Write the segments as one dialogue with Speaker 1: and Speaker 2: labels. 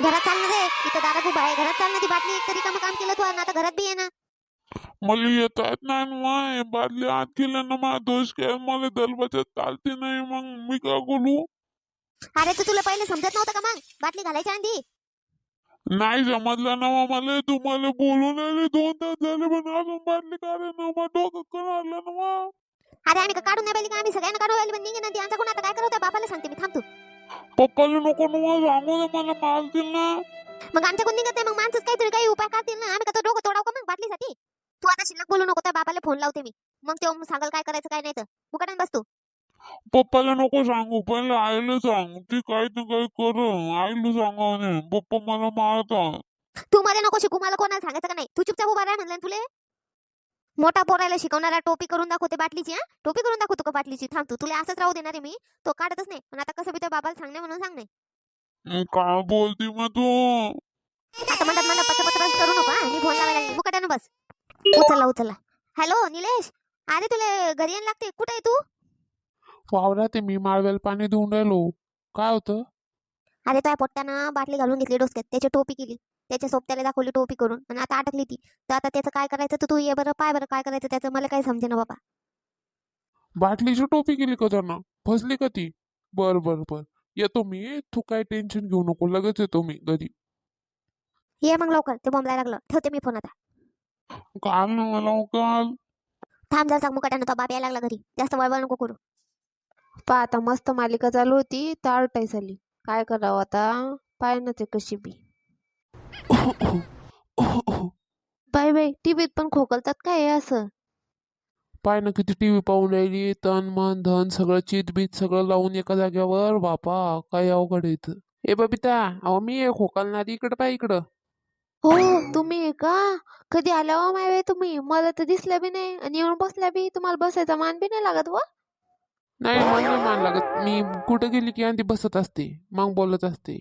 Speaker 1: घरात चाल ना रे, इथं दारात उभा आहे. घरात चाल ना, ती बाटली एक तरी काम केलं तू आणि आता घरात बी आहे ना.
Speaker 2: मला येता येत नाही ना माय, बादली आत गेलं ना मा दोष काय, मला दलबचत चालते नाही, मग मी काय करू?
Speaker 1: अरे तू तुला पहिले समजत नव्हतं का मग बाटली घालायच्या आधी?
Speaker 2: नाही समजलं ना मग मला, तुम्हाला बोलून आले 2 तास झाले पण अजून बाटली काढे ना मग, डोकं कळालं ना मग.
Speaker 1: अरे आम्ही का काढून नाही पाहिली का? आम्ही सगळ्यांना काढून राहिली, पण निघे ना ती. आमचा कोण आता काय करत बापाला सांगते मी, थांब तू.
Speaker 2: पप्पाला नको ना मग सांगू दे, मला मारतील ना.
Speaker 1: मग आमच्या कोण निघत नाही, मग माणसंच काहीतरी काही उपाय करतील ना. आम्ही का तो डोकं तोडाव का मग बाटलीसाठी? तू आता शिल्लक बोलू नको, त्या बापाला फोन लावते मी. मग तो सांगाल काय करायचं काय नाही तर. मुकाटाने बस तू.
Speaker 2: पप्पाला नको सांगू, पहिले आईला सांग, ती काही ना काही कर. आईला सांगा नाही, पप्पा मला मारतात.
Speaker 1: तू मध्ये नको शिकू, मला कोणाला सांगायचं का नाही. तू चुपचाप उभा राहा म्हणलं तुले. मोठा पोरायला शिकवणारा टोपी करून दाखवते बाटलीची. हा, टोपी करून दाखवतो का बाटलीची? थांब तू, तुला असंच राहू देणार आहे मी. तो काढतच नाही, पण आता कसं बी त्या बाबाला सांगणे म्हणून सांगणे.
Speaker 2: काय बोलती मग तू?
Speaker 1: आता म्हणतात मला पच करू नको. हा, मी फोन लावायला लागली. मुकाट्यानं बस. उचलला. हॅलो निलेश, अरे तुला घरी यायला लागते. कुठे आहे तू?
Speaker 2: वावरात मी माळवेल पाणी देऊन राहिलो. काय होतं?
Speaker 1: अरे त्या पोट्ट्यानं बाटली घालून घेतली डोसक्यात, त्याची टोपी केली, त्याच्या सोबत्याला दाखवली टोपी करून, आणि आता अटकली ती. तर आता त्याचं काय करायचं तर तू ये बरं, पाय बरं काय करायचं त्याचं. मला काही समजे ना बाबा.
Speaker 2: बाटलीची टोपी केली का त्यांना? फसली का ती? बर बर बर, येतो मी, तू काय टेन्शन घेऊ नको, लगेच येतो मी घरी.
Speaker 1: ये मग लवकर, ते बोंबलायला लागलं. ठेवते मी फोन आता.
Speaker 2: काल ना मला काल.
Speaker 1: थांब जरा, मुकाट्यानं तो बाप यायला लागला घरी. जास्त वळवळ नको करू.
Speaker 3: पहा आता मस्त मालिका चालू होती, टाळटाय झाली. काय करावं आता? पाय ते कशी बी. बाय बाय, टीव्हीत पण खोकलतात काय हे असं?
Speaker 2: पाय ना किती टीव्ही पाहून राहिली, तन मन धन सगळं चित बीत सगळं लावून एका जाग्यावर. बापा काय अवघड आहे इथं. ए बबिता, अहो मी आहे खोकलणारी, इकडं पाय इकडं.
Speaker 3: हो, तुम्ही आहे का? कधी आल्या हो माय बाई तुम्ही? मला तर दिसल्या बी नाही आणि येऊन बसल्या बी. तुम्हाला बसायचा मान बी नाही लागत व?
Speaker 2: नाही मला नाही मान लागत, मी कुठं गेली की आधी बसत असते, मग बोलत असते.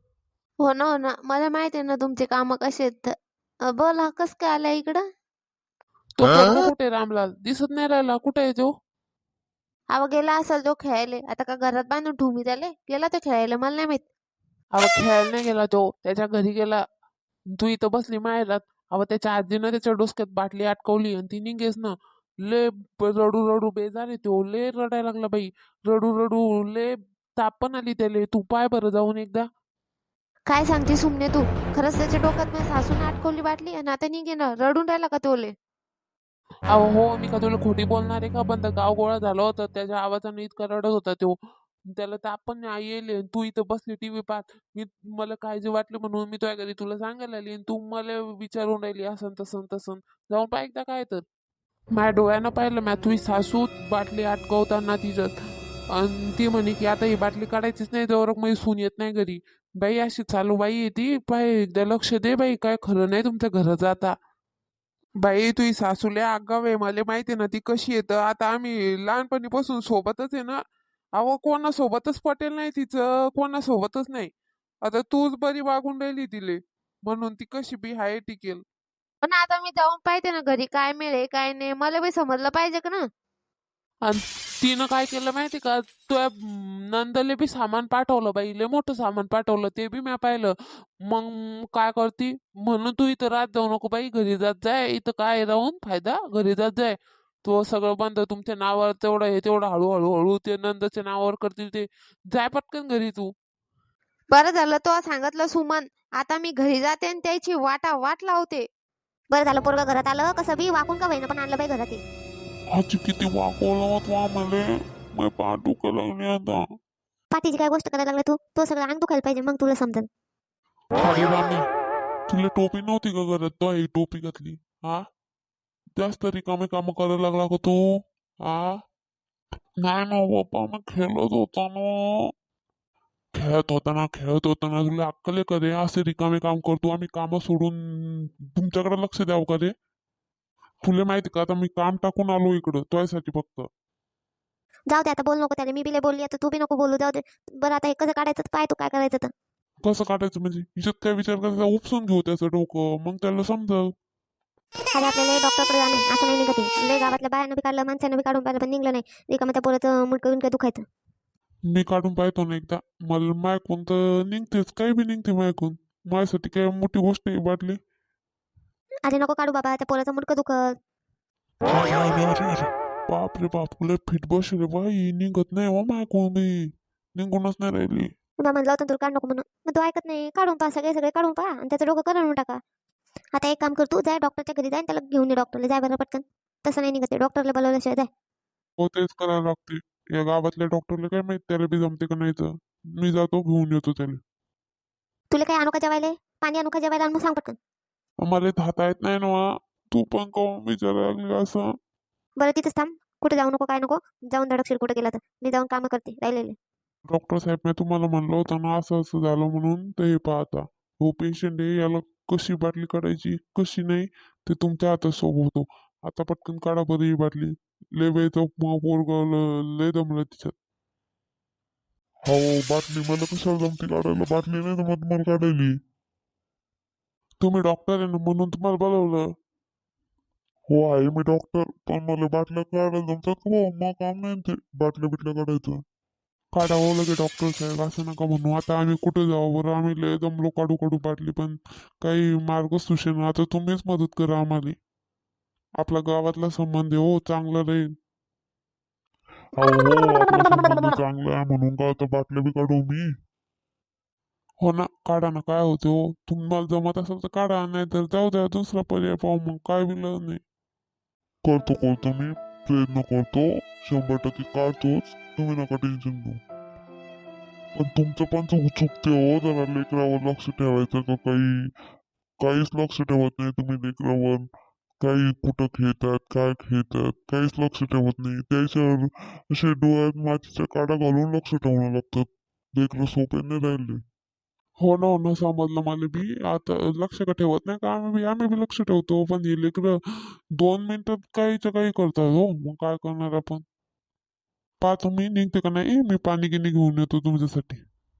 Speaker 3: हो ना, हो ना, मला माहिती आहे ना तुमचे काम कसे आहेत. बोला, कस काय आल्या इकडं?
Speaker 2: तो पोरगा कुठे रामलाल? दिसत नाही राहिला, कुठे आहे तो?
Speaker 3: अहो गेला असेल तो खेळायला. आता का घरात बांधून ठेवू त्याले? गेला तो खेळायला, मला नाही माहित.
Speaker 2: अहो खेळायला नाही गेला तो, त्याच्या घरी गेला. तू इथं बसली माहेरात. अहो त्याच्या आजीनं त्याच्या डोसक्यात बाटली अटकवली आणि ती निघेस ना. ले रडू रडू बेजार तो, ले रडायला लागला बाई. रडू रडू ले ताप पण आली त्याले. तू पाय बरं जाऊन एकदा.
Speaker 3: काय सांगते सुमने तू? खरंच त्याच्या डोक्यात मी सासून अटकवली बाटली आणि आता निघे ना. रडून राहिला का तोले?
Speaker 2: अहो हो, मी का तुला खोटी बोलणार आहे का? पण तर गाव गोळा झालं होतं, त्याच्या आवाजाने इतका रडत होता तो. त्याला ताप पण नाही येईल. तू इथं बसली टीव्ही पाहत. मला काळजी वाटली म्हणून मी तुझ्या घरी तुला सांगायला आली, आणि तू मला विचारून राहिली असं तसं तसं. जाऊन पाय एकदा काय तर. माझ्या डोळ्यानं पाहिलं, मी तुझी सासू बाटली अटकवताना तिच्यात, आणि ती म्हणे की आता ही बाटली काढायचीच नाही जवळ माझी सून येत नाही घरी. बाई अशी चालू बाई आहे ती, पाय एकदा लक्ष दे बाई, काय खरं नाही तुमच्या घरात जाता. बाई तुझी सासूले आगाव आहे, मला माहिती आहे ना ती कशी येतं. आता आम्ही लहानपणीपासून सोबतच आहे ना. अहो कोणासोबतच पटेल नाही तिचं, कोणासोबतच नाही. आता तूच बरी वागून राहिली तिले, म्हणून ती कशी बी हाय टिकेल.
Speaker 3: पण आता मी जाऊन पाहते ना घरी काय मिळेल काय नाही. मला बी समजलं पाहिजे का ना?
Speaker 2: आणि तिनं काय केलं माहिती का, तुझ्या नंदले बी सामान पाठवलं बाई, लय मोठं सामान पाठवलं, ते बी मी पाहिलं. मग काय करती, म्हणून तू इथं राहत जाऊ नको बाई, घरी जात जाय. इथं काय राहून फायदा, घरी जात जाय. तो सगळं बंद तुमच्या नावावर, तेवढं हे तेवढं हळूहळू हळू ते नंदच्या नावावर करतील ते. जाय पटकन घरी तू.
Speaker 3: बरं झालं तो सांगितलं सुमन. आता मी घरी जाते आणि त्याची वाट लावते.
Speaker 1: बरं झालं पोरगा घरात आलं. कसं बी वाकून का होईना पण आणलं बाई घरात हे.
Speaker 2: आजी किती वाकवलं होत मले, मी पाठ दुखायला लागली आता.
Speaker 1: पाठीची काय गोष्ट करायला लागला तू? तो सगळं अंग दुखायला पाहिजे, मग तुला समजेल.
Speaker 2: अरे राणी, तुला टोपी नव्हती का घरात, तो ही टोपी घातली. हा, जास्त रिकामे काम करायला लागला का तू? हा, नाही ना बाप्पा, मी खेळत होता ना. खेळत होता ना तुला अक्कल आहे का रे? असे रिकामे काम करतो आम्ही, काम सोडून तुमच्याकडे लक्ष द्यावं का रे? तुला माहिती का, आता मी काम टाकून आलो इकडं तुझ्यासाठी फक्त.
Speaker 1: जाऊ दे आता, बोल नको त्याला. मी बिले बोलली आता, तू बी नको बोलू. जाऊ दे. बरं आता हे कसं काढायचं तर पाय तू, काय करायचं तर.
Speaker 2: कसं काढायचं म्हणजे? हिच्यात काय विचार करायचा, उपसून घेऊ त्याचं डोकं, मग त्याला समजल.
Speaker 1: अरे आपल्याला डॉक्टरकडे जाणे असं नाही निघत आहे. लय गावातल्या बायानं बी काढलं, माणसानं बी काढून पाहिलं, पण निघलं नाही. रिकामं त्या पोराचं मुडकं विणकं दुखायचं.
Speaker 2: मी काढून पाहतो ना एकदा, मला मायकून तर निघतेच, काही बी निघते मायकून.
Speaker 4: माझ्यासाठी काय मोठी गोष्ट आहे बाटली.
Speaker 1: अरे नको काढू बाबा, त्या पोराचं मुडकं दुखत.
Speaker 4: अरे अरे अरे अरे बाप रे बाप, लय फिट बसले बाई, निघत नाही हो माय कोंबी, निघूनच नाही राहिली.
Speaker 1: तुला म्हणलं होतं तुला काढ नको म्हणून, मग तू ऐकत नाही. काढून पहा, सगळे सगळे काढून पहा आणि त्याचं डोकं करून टाका. आता एक काम कर, तू जाय डॉक्टरच्या घरी जाय आणि त्याला घेऊन ये डॉक्टरला. जाय बरं पटकन. तसं नाही निघत, डॉक्टरला बोलवल्याशिवाय जाय.
Speaker 4: हो तेच करायला लागते. या गावातल्या डॉक्टरला काय माहित त्याला बी जमते का नाही तर. मी जातो घेऊन येतो त्याला.
Speaker 1: तुला काय आणू का जेवायला? पाणी आणू का जेवायला? आणि मग सांग पटकन.
Speaker 4: मला धाता येत नाही ना. तू पण काहून विचारायला लागली असं.
Speaker 1: बरं तिथंच थांब, कुठे जाऊ नको काय नको. जाऊन धडकशील कुठे गेला तर. मी जाऊन कामं करते राहिलेले.
Speaker 4: डॉक्टर साहेब मी तुम्हाला म्हणलं होतं ना असं असं झालं म्हणून, तर हे पाहता हो पेशंट आहे, याला कशी बाटली काढायची कशी नाही ते तुमच्या हातात सोबत होतो. आता पटकन काढा बरं ही बाटली. लय वेळचं पोरग लय दमलं तिच्यात. हो बाटली मला कशाला जमती काढायला, बाटली नाही तर मग तुम्हाला काढायली. तुम्ही डॉक्टर आहे ना म्हणून तुम्हाला बोलवलं. हो आहे मी डॉक्टर, पण मला बाटल्या काढायला जमतात का भाऊ? मग काम नाही ते बाटल्या बिटल्या काढायचं. काढावं लगे डॉक्टर साहेब असं नका म्हणू. आता आम्ही कुठे जाऊ बरं, आम्ही लय दमलो काढू काढू बाटली, पण काही मार्ग सुचेना. आता तुम्हीच मदत करा आम्हाला. आपला गावातला संबंध आहे हो, चांगला राहील. हो आपला संबंध चांगला आहे म्हणून का आता बाटल्या बी काढू मी. हो ना काढा ना, काय होते हो. तुम्हाला जमत असेल तर काढा, नाही तर जाऊ द्या, दुसरा पर्याय पाहू मग, काय बी नाही. करतो करतो मी प्रयत्न करतो, 100% काढतोच. तुम्ही नका टेन्शन घेऊ. पण तुमचं पण चुकते हो, जरा लेकरावर लक्ष ठेवायचं का काही. काहीच लक्ष ठेवत नाही तुम्ही लेकरावर. काही कुठं खेळतात काय खेळतात काहीच लक्ष ठेवत नाही. त्याच्यावर असे डोळ्यात मातीच्या काड्या घालून लक्ष ठेवणं लागतं. लेकरं सोपे नाही राहिले. हो ना समजलं मला बी. आता लक्ष का ठेवत नाही का आम्ही बी लक्ष ठेवतो, पण हे लेकरं 2 मिनिटात काहीच्या काही करतात हो. मग काय करणार आपण. पहा तुम्ही निघते का नाही, मी पाणी गिनी घेऊन येतो तुमच्यासाठी.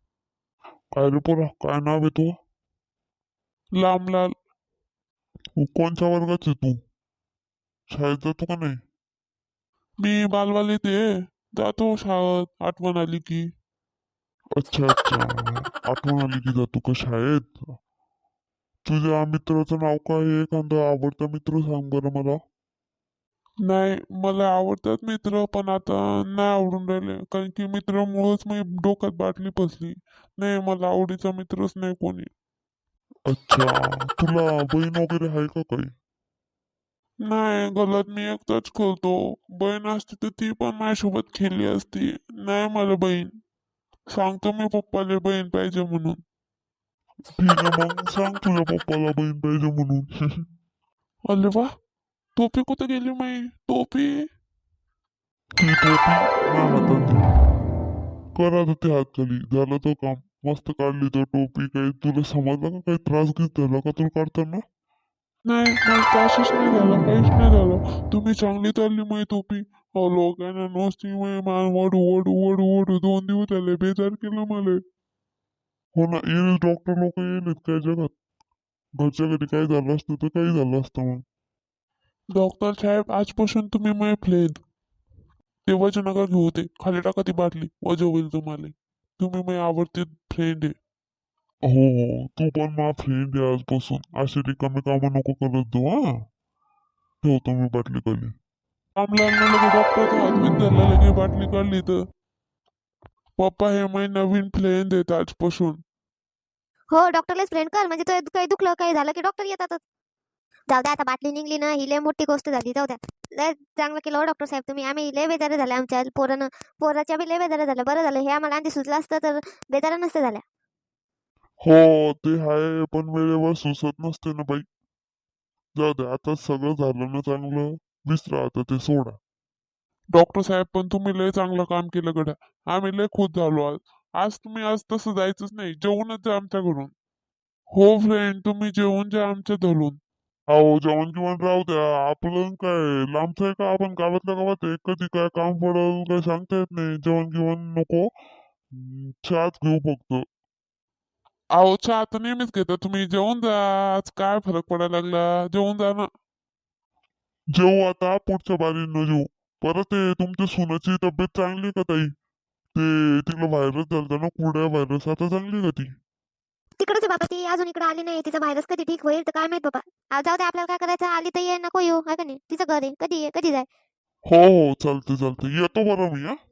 Speaker 4: काय रे पोरा, काय नाव आहे तू? लांबलाल. कोणत्या वर्गात आहे तू? शाळेत जातो का नाही? मी बालवालीत आहे, जातो शाळेत आठवण आली की. अच्छा अच्छा, आठवण आली की जातो का शाळेत? तुझ्या मित्राचं नाव काय आहे? एखादा आवडता मित्र सांग बरं मला. नाही मला आवडतात मित्र, पण आता नाही आवडून राहिले, कारण की मित्रामुळेच मी डोक्यात बाटली फसली. नाही मला आवडीचा मित्रच नाही कोणी. अच्छा, तुला बहीण वगैरे आहे का काही? नाही गलत मी एकटाच खेळतो. बहीण असती तर ती पण माझ्यासोबत खेळली असती. नाही मला बहीण. सांगतो मी पप्पाला बहीण पाहिजे म्हणून. ठीक आहे मग सांग तुझ्या पप्पाला बहीण पाहिजे म्हणून. अरे वा, टोपी कुठे गेली माई टोपी? ती टोपी माझ्या हातात दे. करा तर ते हात खाली झालं तर काम. मस्त काढली तर टोपी. काही तुला समजलं का, काही त्रास घेत झाला का तुला काढताना? नाही मला त्रासच नाही झाला, काहीच नाही झालं. तुम्ही चांगली चालली माही टोपी. हो लोकांना नुसती मान वडू वडू वडू वडू 2 दिवस झाले, बेजार केलं मला. हो ना येईल डॉक्टर लोक येईल काय जगात. घरच्या घरी काही झालं असतं तर काही झालं असतं मग. डॉक्टर साहेब आजपासून तुम्ही माझे फ्रेंड. ते वजन नका घेऊ, ते खाली टाका ती बाटली, वजन होईल तुम्हाला. तुम्ही माझे आवडते फ्रेंड आहे. हो हो तू पण माझा फ्रेंड आहे आजपासून. अशी रिकामी कामं नको करत जाऊ हा. ठेवतो मी बाटली खाली. काम लागलं लगे डॉक्टरचा हात बीत धरला, लगे बाटली काढली तर. पप्पा हे माझे नवीन फ्रेंड आहेत आजपासून.
Speaker 1: हो डॉक्टरलाच फ्रेंड कर, म्हणजे तो काही दुखलं काही झालं की डॉक्टर येतातच. जाऊ द्या, आता बाटली निघली ना, ही लय मोठी गोष्ट झाली. जाऊ द्या, लय चांगलं केलं हो डॉक्टर साहेब तुम्ही. आम्ही लय बेजार झाल्या, आमच्या पोराच्या बी लय बेजार झाल्या. बरं झालं हे आम्हाला आधी सुचलं असतं तर बेजार नसतं झाल्या.
Speaker 4: हो ते आहे, पण वेळेवर सुचत नसते ना बाई. जाऊ दे आता सगळं झालं ना चांगलं. विसरा आता ते सोडा. डॉक्टर साहेब पण तुम्ही लय चांगलं काम केलं गड्या. आम्ही लय खुश झालो आज. आज तसं जायचंच नाही, जेवूनच जा आमच्या घरून. हो फ्रेंड तुम्ही जेवून जा आमच्या धरून. हो जेवण गिवण राहू द्या, आपलं काय लांबचं आहे का, आपण गावातल्या गावात आहे. कधी काय काम पडल काय सांगता येत नाही. जेवण गिवण नको. चहाच घेऊ फक्त. अहो चहा तर नेहमीच घेता तुम्ही, जेवून जा. आज काय फरक पडायला लागला, जेवून जा ना. जेवू आता पुढच्या बारीनं जेवू. परत ते तुमच्या सुनाची तब्येत चांगली का ताई? ते तिला व्हायरस झालता ना, कुरड्या व्हायरस, आता चांगली का ती?
Speaker 1: तिकडच आहे बाबा ती अजून इकडे आली नाही. तिचा व्हायरस कधी ठीक होईल तर काय माहित बाबा. जाऊ दे आपल्याला काय करायचं. आली तर ये नको येऊ आहे का नाही. तिचं घर आहे कधी ये कधी जाय.
Speaker 4: हो हो चालते चालते येतो बरं मी हा